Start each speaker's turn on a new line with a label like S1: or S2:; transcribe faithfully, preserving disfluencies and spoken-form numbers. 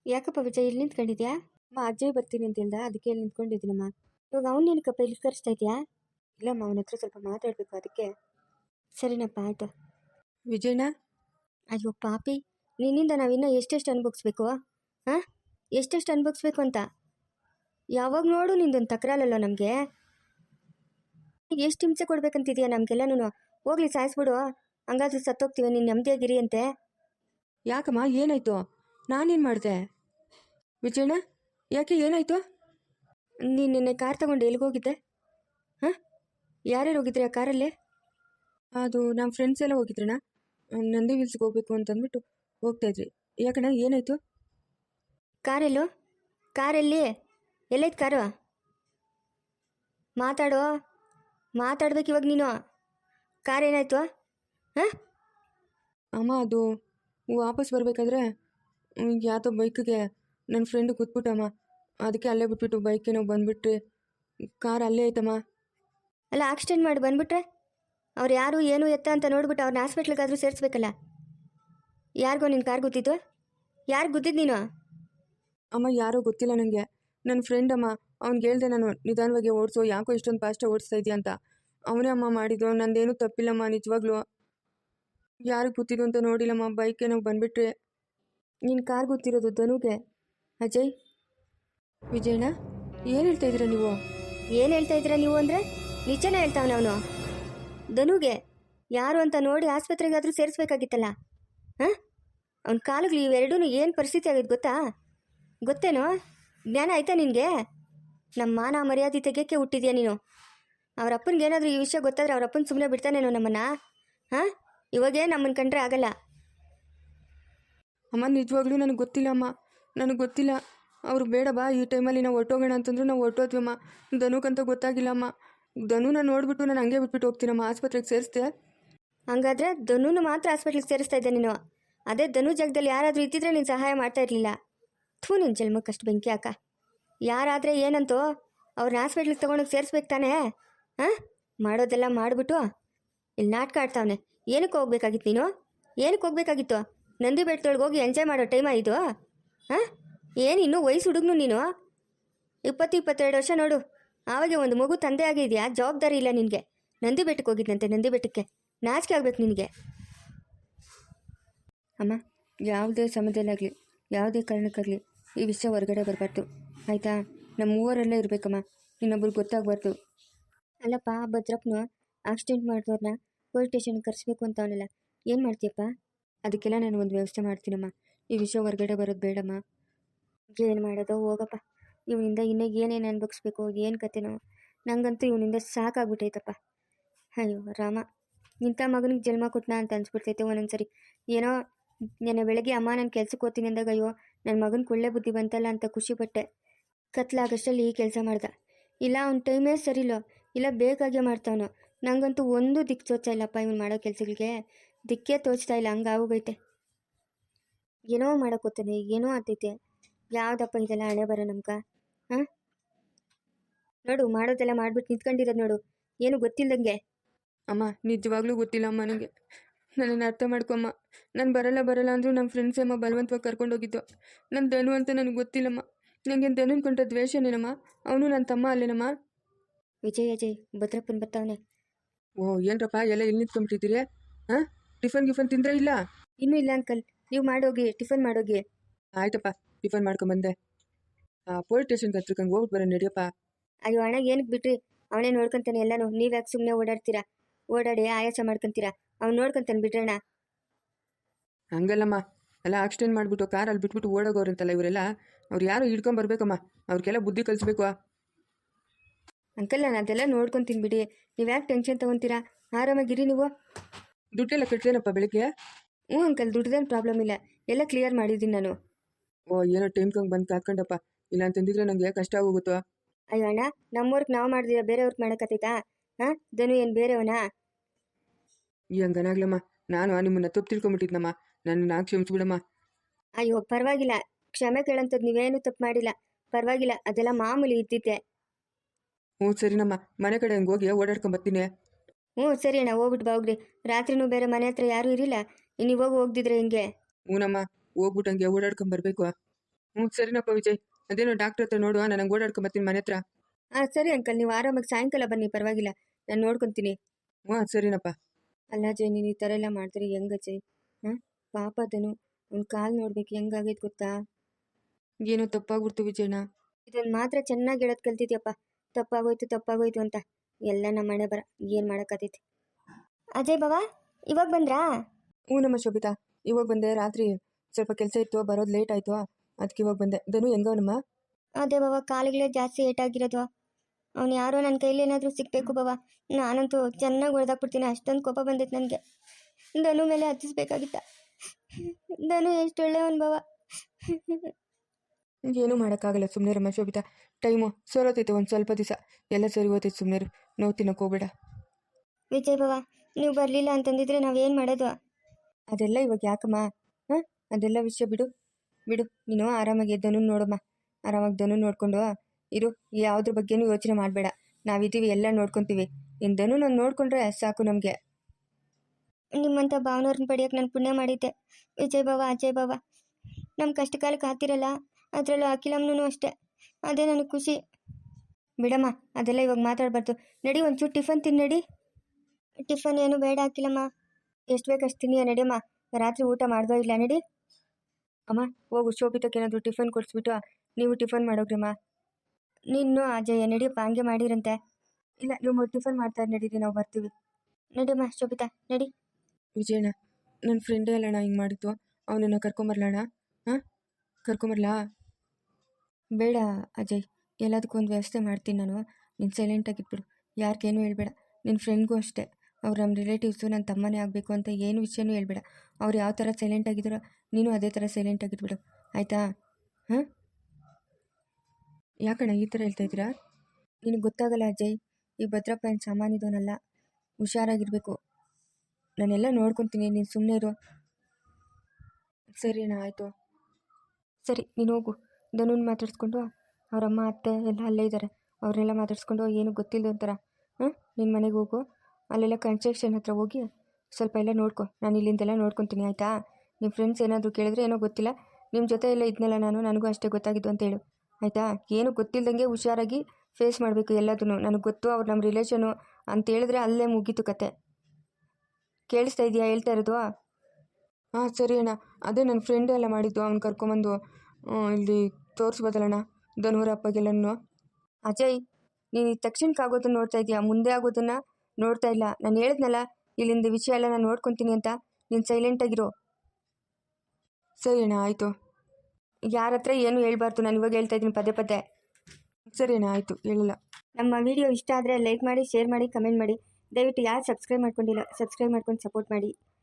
S1: ಯಾಕಪ್ಪ ವಿಜಯ್ ಇಲ್ಲಿ ನಿಂತ್ಕೊಂಡಿದ್ಯಾ? ಅಮ್ಮ ಅಜ್ಜಯ್ ಬರ್ತೀನಿ ಅಂತ ಹೇಳ್ದ, ಅದಕ್ಕೆ ಇಲ್ಲಿ ನಿಂತ್ಕೊಂಡಿದ್ದೀನಮ್ಮ. ಇವಾಗ ಅವ್ನು ಏನಕ್ಕಪ್ಪ ಇಲ್ಲಿ ಕರೆಸ್ತಾ ಇದೆಯಾ? ಇಲ್ಲಮ್ಮ, ಅವನ ಹತ್ರ ಸ್ವಲ್ಪ ಮಾತಾಡಬೇಕು, ಅದಕ್ಕೆ. ಸರಿನಪ್ಪ, ಆಯಿತು.
S2: ವಿಜಯಣ್ಣ,
S1: ಅಯ್ಯೋ ಪಾಪಿ, ನಿನ್ನಿಂದ ನಾವಿನ್ನೂ ಎಷ್ಟೆಷ್ಟು ಅನುಭವಿಸ್ಬೇಕು? ಹಾಂ, ಎಷ್ಟೆಷ್ಟು ಅನುಭವಿಸ್ಬೇಕು ಅಂತ? ಯಾವಾಗ ನೋಡು ನಿಂದೊಂದು ತಕರಾಲಲ್ಲ ನಮಗೆ. ಎಷ್ಟು ಹಿಂಸೆ ಕೊಡ್ಬೇಕಂತಿದ್ಯಾ ನಮಗೆಲ್ಲನೂ? ಹೋಗ್ಲಿ, ಸಾಯಿಸ್ಬಿಡು, ಹಂಗಾದ್ರೂ ಸತ್ತೋಗ್ತೀವಿ, ನೀನು ನೆಮ್ಮದಿಯಾಗಿರಿ ಅಂತೆ.
S2: ಯಾಕಮ್ಮ, ಏನಾಯ್ತು? ನಾನೇನು ಮಾಡಿದೆ? ವಿಜಯಣ್ಣ, ಯಾಕೆ, ಏನಾಯ್ತು?
S1: ನೀನು ನಿನ್ನೆ ಕಾರ್ ತಗೊಂಡು ಎಲ್ಲಿಗೋಗಿದ್ದೆ? ಹಾಂ, ಯಾರ್ಯಾರು ಹೋಗಿದ್ರಿ ಆ ಕಾರಲ್ಲಿ?
S2: ಅದು ನಮ್ಮ ಫ್ರೆಂಡ್ಸ್ ಎಲ್ಲ ಹೋಗಿದ್ರಣ್ಣ. ನಂದಿ ಹಿಲ್ಸ್ಗೆ ಹೋಗ್ಬೇಕು ಅಂತಂದ್ಬಿಟ್ಟು ಹೋಗ್ತಾಯಿದ್ರಿ. ಯಾಕಣ್ಣ, ಏನಾಯಿತು?
S1: ಕಾರೆಲ್ಲೋ? ಕಾರಲ್ಲಿ ಎಲ್ಲೈತೆ ಕಾರು? ಮಾತಾಡೋ, ಮಾತಾಡ್ಬೇಕು ಇವಾಗ ನೀನು. ಕಾರ್ ಏನಾಯ್ತು? ಹಾಂ
S2: ಅಮ್ಮ, ಅದು ವಾಪಸ್ ಬರಬೇಕಾದ್ರೆ ಯಾತೋ ಬೈಕಿಗೆ ನನ್ನ ಫ್ರೆಂಡು ಕೂತ್ಬಿಟ್ಟಮ್ಮ. ಅದಕ್ಕೆ ಅಲ್ಲೇ ಬಿಟ್ಬಿಟ್ಟು ಬೈಕಿಗೆ ನಾವು ಬಂದುಬಿಟ್ರಿ. ಕಾರ್ ಅಲ್ಲೇ ಐತಮ್ಮ.
S1: ಅಲ್ಲ, ಆಕ್ಸಿಡೆಂಟ್ ಮಾಡಿ ಬಂದ್ಬಿಟ್ರೆ ಅವ್ರು ಯಾರು ಏನು ಎತ್ತ ಅಂತ ನೋಡ್ಬಿಟ್ಟು ಅವ್ರನ್ನ ಹಾಸ್ಪಿಟ್ಲಿಗಾದರೂ ಸೇರಿಸ್ಬೇಕಲ್ಲ. ಯಾರಿಗೋ ನಿನ್ನ ಕಾರ್ ಗೊತ್ತಿತ್ತು? ಯಾರು ಗೊತ್ತಿದ್ದು ನೀನು?
S2: ಅಮ್ಮ, ಯಾರೋ ಗೊತ್ತಿಲ್ಲ ನನಗೆ. ನನ್ನ ಫ್ರೆಂಡ್ ಅಮ್ಮ, ಅವ್ನಿಗೆ ಹೇಳ್ದೆ ನಾನು ನಿಧಾನವಾಗಿ ಓಡಿಸೋ, ಯಾಕೋ ಇಷ್ಟೊಂದು ಫಾಸ್ಟಾಗಿ ಓಡಿಸ್ತಾ ಇದೆಯಾ ಅಂತ. ಅವನೇ ಅಮ್ಮ ಮಾಡಿದ್ದು, ನಂದೇನೂ ತಪ್ಪಿಲ್ಲಮ್ಮ, ನಿಜವಾಗ್ಲೂ. ಯಾರಿಗೆ ಗೊತ್ತಿದ್ದು ಅಂತ ನೋಡಿಲ್ಲಮ್ಮ, ಬೈಕ್ಗೆ ನಾವು ಬಂದುಬಿಟ್ರಿ.
S1: ನಿನ್ನ ಕಾರ್ ಗೊತ್ತಿರೋದು ಧನುಗೆ. ಅಜಯ್,
S2: ವಿಜಯಣ್ಣ, ಏನು ಹೇಳ್ತಾ ಇದ್ದೀರಾ ನೀವು?
S1: ಏನು ಹೇಳ್ತಾ ಇದ್ದೀರಾ ನೀವು ಅಂದರೆ? ನಿಜನೇ ಹೇಳ್ತಾವನ ಅವನು. ಧನುಗೆ ಯಾರು ಅಂತ ನೋಡಿ ಆಸ್ಪತ್ರೆಗಾದರೂ ಸೇರಿಸ್ಬೇಕಾಗಿತ್ತಲ್ಲ. ಹಾಂ, ಅವ್ನ ಕಾಲುಗಳು ಇವೆರಡೂ ಏನು ಪರಿಸ್ಥಿತಿ ಆಗಿದ್ದು ಗೊತ್ತಾ? ಗೊತ್ತೇನೋ? ಜ್ಞಾನ ಆಯ್ತಾ ನಿನಗೆ? ನಮ್ಮ ಮಾನ ಮರ್ಯಾದೆ ತೆಗೆಯೋಕ್ಕೆ ಹುಟ್ಟಿದ್ಯಾ ನೀನು. ಅವ್ರ ಅಪ್ಪನಿಗೆ ಏನಾದರೂ ಈ ವಿಷಯ ಗೊತ್ತಾದ್ರೆ ಅವ್ರ ಅಪ್ಪನ ಸುಮ್ಮನೆ ಬಿಡ್ತಾನೇನೋ ನಮ್ಮನ್ನು? ಹಾಂ, ಇವಾಗೇ ನಮ್ಮನ್ನು ಕಂಡ್ರೆ ಆಗಲ್ಲ.
S2: ಅಮ್ಮ, ನಿಜವಾಗ್ಲೂ ನನಗೆ ಗೊತ್ತಿಲ್ಲ ಅಮ್ಮ, ನನಗೆ ಗೊತ್ತಿಲ್ಲ. ಅವರು ಬೇಡ ಬಾ, ಈ ಟೈಮಲ್ಲಿ ನಾವು ಹೊರ್ಟೋಗೋಣ ಅಂತಂದ್ರು ನಾವು ಹೊರ್ಟೋದ್ವಿ ಅಮ್ಮ. ಧನುಕಂತ ಗೊತ್ತಾಗಿಲ್ಲ ಅಮ್ಮ. ಧನುನ ನೋಡ್ಬಿಟ್ಟು ನಾನು ಹಂಗೆ ಬಿಟ್ಬಿಟ್ಟು ಹೋಗ್ತೀನಮ್ಮ, ಆಸ್ಪತ್ರೆಗೆ ಸೇರಿಸ್ದೆ.
S1: ಹಂಗಾದ್ರೆ ಧನುನ ಮಾತ್ರ ಹಾಸ್ಪಿಟ್ಲಿಗೆ ಸೇರಿಸ್ತಾ ಇದ್ದೆ ನೀನು. ಅದೇ ಧನು ಜಾಗದಲ್ಲಿ ಯಾರಾದರೂ ಇದ್ದಿದ್ರೆ ನೀನು ಸಹಾಯ ಮಾಡ್ತಾ ಇರಲಿಲ್ಲ. ಥೂ, ನಿನ್ನ ಜನ್ಮಕ್ಕಷ್ಟು ಬೆಂಕಿ ಹಾಕ. ಯಾರಾದರೆ ಏನಂತೋ ಅವ್ರನ್ನ ಹಾಸ್ಪಿಟ್ಲಿಗೆ ತೊಗೊಂಡೋಗಿ ಸೇರಿಸ್ಬೇಕು ತಾನೇ? ಹಾಂ, ಮಾಡೋದೆಲ್ಲ ಮಾಡಿಬಿಟ್ಟು ಇಲ್ಲಿ ನಾಟಕ ಆಡ್ತಾವನೆ. ಏನಕ್ಕೆ ಹೋಗ್ಬೇಕಾಗಿತ್ತು ನೀನು? ಏನಕ್ಕೆ ಹೋಗ್ಬೇಕಾಗಿತ್ತು? ನಂದಿ ಬೆಟ್ಟದೊಳಗೆ ಹೋಗಿ ಎಂಜಾಯ್ ಮಾಡೋ ಟೈಮಾ ಇದು? ಹಾಂ, ಏನು ಇನ್ನೂ ವಯಸ್ಸು ಹುಡುಗನು ನೀನು? ಇಪ್ಪತ್ತು ಇಪ್ಪತ್ತೆರಡು ವರ್ಷ ನೋಡು, ಆವಾಗ ಒಂದು ಮಗು ತಂದೆ ಆಗಿದೆಯಾ? ಜವಾಬ್ದಾರಿ ಇಲ್ಲ ನಿನಗೆ. ನಂದಿ ಬೆಟ್ಟಕ್ಕೆ ಹೋಗಿದ್ದಂತೆ, ನಂದಿ ಬೆಟ್ಟಕ್ಕೆ. ನಾಚಿಕೆ ಆಗ್ಬೇಕು ನಿನಗೆ.
S2: ಅಮ್ಮ, ಯಾವುದೇ ಸಮಯದಲ್ಲಾಗಲಿ, ಯಾವುದೇ ಕಾರಣಕ್ಕಾಗಲಿ ಈ ವಿಷಯ ಹೊರಗಡೆ ಬರಬಾರ್ದು, ಆಯಿತಾ? ನಮ್ಮ ಮೂವರಲ್ಲೇ ಇರಬೇಕಮ್ಮ, ಇನ್ನೊಬ್ರಿಗೆ ಗೊತ್ತಾಗಬಾರ್ದು.
S1: ಅಲ್ಲಪ್ಪ, ಭದ್ರಪ್ಪನು ಆಕ್ಸಿಡೆಂಟ್ ಮಾಡಿದವ್ರನ್ನ ಪೊಲೀಸ್ ಸ್ಟೇಷನ್ಗೆ ಕರೆಸ್ಬೇಕು ಅಂತ ಅವನಲ್ಲ, ಏನು ಮಾಡ್ತೀಯಪ್ಪ?
S2: ಅದಕ್ಕೆಲ್ಲ ನಾನು ಒಂದು ವ್ಯವಸ್ಥೆ ಮಾಡ್ತೀನಮ್ಮ. ಈ ವಿಷಯ ಹೊರಗಡೆ ಬರೋದು ಬೇಡಮ್ಮ.
S1: ಏನು ಮಾಡೋದು, ಹೋಗಪ್ಪ. ಇವನಿಂದ ಇನ್ನೂ ಏನೇನು ಅನ್ಭವಿಸ್ಬೇಕು, ಏನು ಕತೆನೋ. ನನಗಂತೂ ಇವನಿಂದ ಸಾಕಾಗ್ಬಿಟ್ಟೈತಪ್ಪ. ಅಯ್ಯೋ ರಾಮ, ಇಂಥ ಮಗನಿಗೆ ಜನ್ಮ ಕೊಟ್ಟನ ಅಂತ ಅನ್ಸ್ಬಿಡ್ತೈತೆ ಒಂದೊಂದ್ಸರಿ. ಏನೋ ನೆನ್ನೆ ಬೆಳಗ್ಗೆ ಅಮ್ಮ ನಾನು ಕೆಲ್ಸಕ್ಕೆ ಹೋಗ್ತೀನಿ ಅಂದಾಗ, ಅಯ್ಯೋ ನನ್ನ ಮಗನ ಒಳ್ಳೆ ಬುದ್ಧಿ ಬಂತಲ್ಲ ಅಂತ ಖುಷಿಪಟ್ಟೆ. ಕತ್ಲಾಗಷ್ಟಲ್ಲಿ ಈ ಕೆಲಸ ಮಾಡ್ದ. ಇಲ್ಲ, ಅವ್ನ ಟೈಮೇ ಸರಿಲೋ, ಇಲ್ಲ ಬೇಕಾಗೆ ಮಾಡ್ತಾವನು. ನನಗಂತೂ ಒಂದು ದಿಕ್ಕು ತೋಚ್ತಾ ಇಲ್ಲಪ್ಪ, ಇವನು ಮಾಡೋ ಕೆಲಸಗಳಿಗೆ ದಿಕ್ಕೇ ತೋಚ್ತಾ ಇಲ್ಲ, ಹಂಗಾಗೋಗೈತೆ. ಏನೋ ಮಾಡೋಕ್ಕೋತಾನೆ, ಏನೋ ಆಗ್ತೈತೆ. ಯಾವುದಪ್ಪ ಇದೆಲ್ಲ ಹಣೆ ಬರೋ ನಮ್ಗೆ? ಹಾಂ, ನೋಡು, ಮಾಡೋದೆಲ್ಲ ಮಾಡ್ಬಿಟ್ಟು ನಿಂತ್ಕೊಂಡಿರೋದು ನೋಡು, ಏನು ಗೊತ್ತಿಲ್ಲದಂಗೆ.
S2: ಅಮ್ಮ, ನಿಜವಾಗ್ಲೂ ಗೊತ್ತಿಲ್ಲ ಅಮ್ಮ ನನಗೆ. ನನ್ನನ್ನು ಅರ್ಥ ಮಾಡ್ಕೊಮ್ಮ. ನಾನು ಬರಲ್ಲ ಬರಲ್ಲ ಅಂದರೂ ನಮ್ಮ ಫ್ರೆಂಡ್ಸ್ ಅಮ್ಮ ಬಲವಂತವಾಗಿ ಕರ್ಕೊಂಡೋಗಿದ್ದು. ನನ್ನ ಧನು ಅಂತ ನನಗೆ ಗೊತ್ತಿಲ್ಲಮ್ಮ. ನನಗೆ ಧನುನ್ ಕೊಂಡ ದ್ವೇಷನೇನಮ್ಮ? ಅವನು ನನ್ನ ತಮ್ಮ ಅಲ್ಲೇನಮ್ಮ?
S1: ವಿಜಯ್, ಅಜಯ್, ಭದ್ರಪ್ಪನ ಬರ್ತಾವನೆ.
S2: ಓ, ಏನರಪ್ಪ ಎಲ್ಲ ಇಲ್ಲಿ ನಿಂತ್ಕೊಂಡ್ಬಿಟ್ಟಿದ್ದೀರಿ? ಹಾಂ, ಟಿಫನ್ ಗಿಫನ್ ತಿಂದ್ರೆ ಇಲ್ಲ?
S1: ಇನ್ನೂ ಇಲ್ಲ ಅಂಕಲ್, ನೀವು ಮಾಡೋಗಿ, ಟಿಫನ್ ಮಾಡೋಗಿ.
S2: ಆಯ್ತಪ್ಪ, ಟಿಫನ್ ಮಾಡ್ಕೊಂಬಂದೆ. ಹಾಂ, ಪೊಲೀಸ್ ಸ್ಟೇಷನ್ಗೆ ಹತ್ರಕ್ಕಂಗೆ ಹೋಗ್ಬಿಟ್ಟು ಬರೋಣ, ನಡಿಯಪ್ಪ.
S1: ಅಯ್ಯೋ ಅಣ್ಣ, ಏನಕ್ಕೆ ಬಿಟ್ರಿ? ಅವನೇ ನೋಡ್ಕೊಂತಾನೆ ಎಲ್ಲನೂ. ನೀವು ಯಾಕೆ ಸುಮ್ಮನೆ ಓಡಾಡ್ತೀರಾ? ಓಡಾಡಿ ಆಯಾಸ ಮಾಡ್ಕೊತೀರಾ? ಅವ್ನು ನೋಡ್ಕೊಂತಾನೆ, ಬಿಡ್ರಣ್ಣ.
S2: ಹಂಗಲ್ಲಮ್ಮ, ಎಲ್ಲ ಆಕ್ಸಿಡೆಂಟ್ ಮಾಡಿಬಿಟ್ಟು ಕಾರಲ್ಲಿ ಬಿಟ್ಬಿಟ್ಟು ಓಡೋಗೋರಂತಲ್ಲ ಇವರೆಲ್ಲ. ಅವ್ರು ಯಾರು ಹಿಡ್ಕೊಂಬರ್ಬೇಕಮ್ಮ, ಅವ್ರಿಗೆಲ್ಲ ಬುದ್ಧಿ ಕಲಿಸ್ಬೇಕು.
S1: ಅಂಕಲ್, ನಾನು ಅದೆಲ್ಲ ನೋಡ್ಕೊತೀನಿ ಬಿಡಿ. ನೀವು ಯಾಕೆ ಟೆನ್ಷನ್ ತೊಗೊತೀರಾ? ಆರಾಮಾಗಿರಿ ನೀವು.
S2: ದುಡ್ಡೆಲ್ಲ ಕಟ್ತೇನಪ್ಪ ಬೆಳಿಗ್ಗೆ?
S1: ಹ್ಞೂ ಅಂಕಲ್, ದುಡ್ಡದೇನು ಪ್ರಾಬ್ಲಮ್ ಇಲ್ಲ, ಎಲ್ಲ ಕ್ಲಿಯರ್ ಮಾಡಿದ್ದೀನಿ ನಾನು.
S2: ಓ, ಏನೋ ಟೈಮ್ಕಂಗೆ ಬಂದು ಕಾತ್ಕೊಂಡಪ್ಪ. ಇಲ್ಲ ಅಂತಂದಿದ್ರೆ ನನಗೆ ಕಷ್ಟ ಆಗೋಗುತ್ತೋ.
S1: ಅಯ್ಯೋ ಅಣ್ಣ, ನಮ್ಮವ್ರಿಗೆ ನಾವು ಮಾಡಿದಿರ ಬೇರೆಯವ್ರಿಗೆ ಮಾಡೋಕ್ಕತ್ತೈತಾ? ಹಾಂ, ಧನು ಏನು ಬೇರೆಯವನಾ?
S2: ಈ ಹಂಗನಾಗ್ಲಮ್ಮ, ನಾನು ನಿಮ್ಮನ್ನ ತಪ್ಪು ತಿಳ್ಕೊಂಬಿಟ್ಟಿದ್ನಮ್ಮ, ನನ್ನ ನಾ ಕ್ಷಮಿಸ್ಬಿಡಮ್ಮ.
S1: ಅಯ್ಯೋ ಪರವಾಗಿಲ್ಲ, ಕ್ಷಮೆ ಕೇಳಂಥದ್ದು ನೀವೇನು ತಪ್ಪು ಮಾಡಿಲ್ಲ, ಪರವಾಗಿಲ್ಲ, ಅದೆಲ್ಲ ಮಾಮೂಲಿ ಇದ್ದಿದ್ದೆ.
S2: ಹ್ಞೂ ಸರಿನಮ್ಮ, ಮನೆ ಕಡೆ ಹಂಗೆ ಹೋಗಿ ಓಡಾಡ್ಕೊಂಬರ್ತೀನಿ.
S1: ಹ್ಞೂ ಸರಿ ಅಣ್ಣ, ಹೋಗ್ಬಿಟ್ಟು ಬಾ ಹೋಗ್ರಿ. ರಾತ್ರಿನೂ ಬೇರೆ ಮನೆ ಹತ್ರ ಯಾರೂ ಇರಿಲ್ಲ, ನೀವು ಹೋಗಿ ಹೋಗ್ದಿದ್ರೆ ಹಿಂಗೆ.
S2: ಹ್ಞೂನಮ್ಮ, ಹೋಗ್ಬಿಟ್ಟು ಹಂಗೆ ಓಡಾಡ್ಕೊಂಬರ್ಬೇಕು. ಹ್ಞೂ ಸರಿನಪ್ಪ ವಿಜಯ್, ಅದೇನೋ ಡಾಕ್ಟ್ರ್ ಹತ್ರ ನೋಡುವ, ನನಗೆ ಓಡಾಡ್ಕೊಂಡ್ ಬರ್ತೀನಿ ಮನೆ ಹತ್ರ.
S1: ಹಾಂ ಸರಿ ಅಂಕಲ್, ನೀವು ಆರಾಮಾಗಿ ಸಾಯಂಕಾಲ ಬನ್ನಿ, ಪರವಾಗಿಲ್ಲ, ನಾನು ನೋಡ್ಕೊತೀನಿ.
S2: ಹ್ಞೂ ಸರಿನಪ್ಪ.
S1: ಅಲ್ಲ ಅಜಯ್, ನೀನು ಈ ಥರ ಎಲ್ಲ ಮಾಡ್ತೀರಿ ಹೆಂಗೆ ಅಜಯ್? ಹಾಂ, ಪಾಪ ಅದನು ಅವ್ನ ಕಾಲು ನೋಡ್ಬೇಕು ಹೆಂಗಾಗೈತೆ ಗೊತ್ತಾ?
S2: ಏನೋ ತಪ್ಪಾಗ್ಬಿಡ್ತು ವಿಜಯಣ್ಣ.
S1: ಇದೊಂದು ಮಾತ್ರ ಚೆನ್ನಾಗಿ ಹೇಳೋದು ಕಲ್ತಿದ್ಯಪ್ಪ, ತಪ್ಪಾಗೋಯ್ತು ತಪ್ಪಾಗೋಯ್ತು ಅಂತ. ಎಲ್ಲ ನಮ್ಮ ಮನೆ ಬರ, ಏನು ಮಾಡೋಕ್ಕಾಗೈತಿ. ಅಜಯ್ ಬಾವ, ಇವಾಗ ಬಂದ್ರಾ?
S2: ಹ್ಞೂ ನಮ್ಮ ಶೋಭಿತಾ, ಇವಾಗ ಬಂದೆ. ರಾತ್ರಿ ಸ್ವಲ್ಪ ಕೆಲಸ ಇತ್ತು, ಬರೋದು ಲೇಟ್ ಆಯಿತು, ಅದಕ್ಕೆ ಇವಾಗ ಬಂದೆ. ಧನು ಹೆಂಗವನಮ್ಮ?
S1: ಅದೇ ಬಾವ, ಕಾಲಿಗೆ ಜಾಸ್ತಿ ಏಟಾಗಿರೋದು. ಅವ್ನು ಯಾರೋ ನನ್ನ ಕೈಲಿ ಏನಾದರೂ ಸಿಗಬೇಕು ಬಾವ, ನಾನಂತೂ ಚೆನ್ನಾಗಿ ಹೊಡೆದಾಕ್ಬಿಡ್ತೀನಿ, ಅಷ್ಟೊಂದು ಕೋಪ ಬಂದೈತೆ ನನಗೆ. ಧನು ಮೇಲೆ ಹತ್ತಿಸ್ಬೇಕಾಗಿತ್ತ. ಧನು ಎಷ್ಟು ಒಳ್ಳೆಯವನು ಬಾವ.
S2: ಏನೂ ಮಾಡೋಕ್ಕಾಗಲ್ಲ, ಸುಮ್ಮನೆ ರಮ್ಮ ಶೋಭಿತಾ. ಟೈಮು ಸೋಲೋತೈತೆ, ಒಂದು ಸ್ವಲ್ಪ ದಿವಸ ಎಲ್ಲ ಸರಿ ಹೋಗ್ತೈತೆ, ಸುಮ್ಮನೆ ನೋವು ತಿನ್ನೋಕೆ ಹೋಗ್ಬೇಡ.
S1: ವಿಜಯ್ ಬಾವ, ನೀವು ಬರಲಿಲ್ಲ ಅಂತಂದಿದ್ರೆ ನಾವೇನು ಮಾಡೋದು?
S2: ಅದೆಲ್ಲ ಇವಾಗ ಯಾಕಮ್ಮ? ಹಾಂ, ಅದೆಲ್ಲ ವಿಷಯ ಬಿಡು ಬಿಡು. ನೀನು ಆರಾಮಾಗಿ ಧನು ನೋಡಮ್ಮ, ಆರಾಮಾಗಿ ಧನು ನೋಡಿಕೊಂಡು ಇರು. ಯಾವುದ್ರ ಬಗ್ಗೆನೂ ಯೋಚನೆ ಮಾಡಬೇಡ, ನಾವಿದ್ದೀವಿ, ಎಲ್ಲ ನೋಡ್ಕೊತೀವಿ. ಇನ್ನು ಧನು ನಾನು ನೋಡಿಕೊಂಡ್ರೆ ಸಾಕು ನಮಗೆ.
S1: ನಿಮ್ಮಂಥ ಭಾವನವ್ರನ್ನ ಪಡೆಯೋಕೆ ನಾನು ಪುಣ್ಯ ಮಾಡಿದ್ದೆ ವಿಜಯ್ ಬಾವ, ಅಜಯ್ ಬಾವ. ನಮ್ಮ ಕಷ್ಟ ಕಾಲಕ್ಕೆ ಹಾತಿರಲ್ಲ, ಅದರಲ್ಲೂ ಅಖಿಲಮ್ಮನೂ ಅಷ್ಟೇ, ಅದೇ ನನಗೆ ಖುಷಿ. ಬಿಡಮ್ಮ, ಅದೆಲ್ಲ ಇವಾಗ ಮಾತಾಡಬಾರ್ದು. ನಡಿ, ಒಂಚೂರು ಟಿಫನ್ ತಿನ್ನು ನಡಿ. ಟಿಫನ್ ಏನು ಬೇಡ ಅಖಿಲಮ್ಮ, ಎಷ್ಟು ಬೇಕಷ್ಟು ತಿನ್ನಿಯ ನಡಿಯಮ್ಮ. ರಾತ್ರಿ ಊಟ ಮಾಡ್ದೋ ಇಲ್ಲ, ನಡಿ.
S2: ಅಮ್ಮ ಹೋಗು, ಶೋಭಿತಕ್ಕೆ ಏನಾದರೂ ಟಿಫನ್ ಕೊಡಿಸ್ಬಿಟ್ಟು ನೀವು ಟಿಫನ್ ಮಾಡೋಗ್ರಮ್ಮ.
S1: ನೀನು ಅಜಯ್ ನಡಿಯಪ್ಪ, ಹಂಗೆ ಮಾಡಿರಂತೆ.
S2: ಇಲ್ಲ, ನೀವು ಟಿಫನ್ ಮಾಡ್ತಾ ನಡೀರಿ, ನಾವು ಬರ್ತೀವಿ.
S1: ನಡಿಯಮ್ಮ ಶೋಭಿತಾ, ನಡಿ.
S2: ವಿಜಯಣ್ಣ, ನನ್ನ ಫ್ರೆಂಡೇ ಅಲ್ಲಣ್ಣ ಹಿಂಗೆ ಮಾಡಿದ್ದು, ಅವನನ್ನು ಕರ್ಕೊಂಬರ್ಲಣ್ಣ? ಹಾಂ, ಕರ್ಕೊಂಬರ್ಲಾ?
S1: ಬೇಡ ಅಜಯ್, ಎಲ್ಲದಕ್ಕೂ ಒಂದು ವ್ಯವಸ್ಥೆ ಮಾಡ್ತೀನಿ ನಾನು. ನೀನು ಸೈಲೆಂಟಾಗಿಟ್ಬಿಡು, ಯಾರಿಗೇನು ಹೇಳ್ಬೇಡ. ನಿನ್ನ ಫ್ರೆಂಡ್ಗೂ ಅಷ್ಟೇ, ಅವ್ರು ನಮ್ಮ ರಿಲೇಟಿವ್ಸು, ನನ್ನ ತಮ್ಮನೇ ಆಗಬೇಕು ಅಂತ ಏನು ವಿಷಯನೂ ಹೇಳ್ಬೇಡ. ಅವ್ರು ಯಾವ ಥರ ಸೈಲೆಂಟಾಗಿದ್ದಾರೋ ನೀನು ಅದೇ ಥರ ಸೈಲೆಂಟಾಗಿಟ್ಬಿಡು, ಆಯಿತಾ? ಹಾಂ,
S2: ಯಾಕಣ್ಣ ಈ ಥರ ಹೇಳ್ತಾ ಇದ್ದೀರಾ?
S1: ನಿನಗೆ ಗೊತ್ತಾಗಲ್ಲ ಅಜಯ್, ಈ ಭದ್ರಪ್ಪ ಏನು ಸಾಮಾನ್ಯದವನಲ್ಲ, ಹುಷಾರಾಗಿರಬೇಕು. ನಾನೆಲ್ಲ ನೋಡ್ಕೊತೀನಿ, ನೀನು ಸುಮ್ಮನೆ ಇರು.
S2: ಸರಿ ಅಣ್ಣ, ಆಯಿತು.
S1: ಸರಿ, ನೀನು ಹೋಗು. ಧನುನ್ ಮಾತಾಡಿಸ್ಕೊಂಡು, ಅವರಮ್ಮ ಅತ್ತೆ ಎಲ್ಲ ಅಲ್ಲೇ ಇದ್ದಾರೆ, ಅವ್ರನ್ನೆಲ್ಲ ಮಾತಾಡಿಸ್ಕೊಂಡು ಏನು ಗೊತ್ತಿಲ್ಲದ ಒಂಥರ ಹಾಂ ನಿನ್ನ ಮನೆಗೆ ಹೋಗು. ಅಲ್ಲೆಲ್ಲ ಕನ್ಸ್ಟ್ರಕ್ಷನ್ ಹತ್ರ ಹೋಗಿ ಸ್ವಲ್ಪ ಎಲ್ಲ ನೋಡ್ಕೊ, ನಾನು ಇಲ್ಲಿಂದೆಲ್ಲ ನೋಡ್ಕೊತೀನಿ, ಆಯಿತಾ? ನಿಮ್ಮ ಫ್ರೆಂಡ್ಸ್ ಏನಾದರೂ ಕೇಳಿದ್ರೆ ಏನೋ ಗೊತ್ತಿಲ್ಲ, ನಿಮ್ಮ ಜೊತೆ ಎಲ್ಲ ಇದ್ನಲ್ಲ ನಾನು, ನನಗೂ ಅಷ್ಟೇ ಗೊತ್ತಾಗಿದ್ದು ಅಂತ ಹೇಳು, ಆಯಿತಾ? ಏನು ಗೊತ್ತಿಲ್ಲದಂಗೆ ಹುಷಾರಾಗಿ ಫೇಸ್ ಮಾಡಬೇಕು ಎಲ್ಲದೂ. ನನಗೆ ಗೊತ್ತು ಅವ್ರು ನಮ್ಮ ರಿಲೇಷನು ಅಂತ ಹೇಳಿದ್ರೆ ಅಲ್ಲೇ ಮುಗೀತು ಕತೆ. ಕೇಳಿಸ್ತಾ ಇದೆಯಾ ಹೇಳ್ತಾ ಇರೋದು?
S2: ಹಾಂ ಸರಿ ಅಣ್ಣ, ಅದೇ ನನ್ನ ಫ್ರೆಂಡೇ ಎಲ್ಲ ಮಾಡಿದ್ದು, ಅವ್ನು ಕರ್ಕೊಂಬಂದು ಇಲ್ಲಿ ತೋರಿಸ್ಬೋದಲ್ಲಣ್ಣ ಧನುವರ ಅಪ್ಪಗೆಲ್ಲನೂ.
S1: ಅಜಯ್, ನೀನು ಈ ತಕ್ಷಣಕ್ಕೆ ಆಗೋದನ್ನ ನೋಡ್ತಾ ಇದೀಯಾ, ಮುಂದೆ ಆಗೋದನ್ನು ನೋಡ್ತಾ ಇಲ್ಲ. ನಾನು ಹೇಳಿದ್ನಲ್ಲ ಇಲ್ಲಿಂದ ವಿಷಯ ಎಲ್ಲ ನಾನು ನೋಡ್ಕೊತೀನಿ ಅಂತ, ನೀನು ಸೈಲೆಂಟಾಗಿರೋ.
S2: ಸರಿ ಅಣ್ಣ, ಆಯಿತು.
S1: ಯಾರ ಹತ್ರ ಏನು ಹೇಳ್ಬಾರ್ದು, ನಾನು ಇವಾಗ ಹೇಳ್ತಾ ಇದ್ದೀನಿ ಪದೇ ಪದೇ.
S2: ಸರಿ ಅಣ್ಣ, ಆಯಿತು, ಹೇಳಲ್ಲ.
S1: ನಮ್ಮ ವಿಡಿಯೋ ಇಷ್ಟ ಆದರೆ ಲೈಕ್ ಮಾಡಿ, ಶೇರ್ ಮಾಡಿ, ಕಮೆಂಟ್ ಮಾಡಿ. ದಯವಿಟ್ಟು ಯಾರು ಸಬ್ಸ್ಕ್ರೈಬ್ ಮಾಡ್ಕೊಂಡಿಲ್ಲ ಸಬ್ಸ್ಕ್ರೈಬ್ ಮಾಡ್ಕೊಂಡು ಸಪೋರ್ಟ್ ಮಾಡಿ.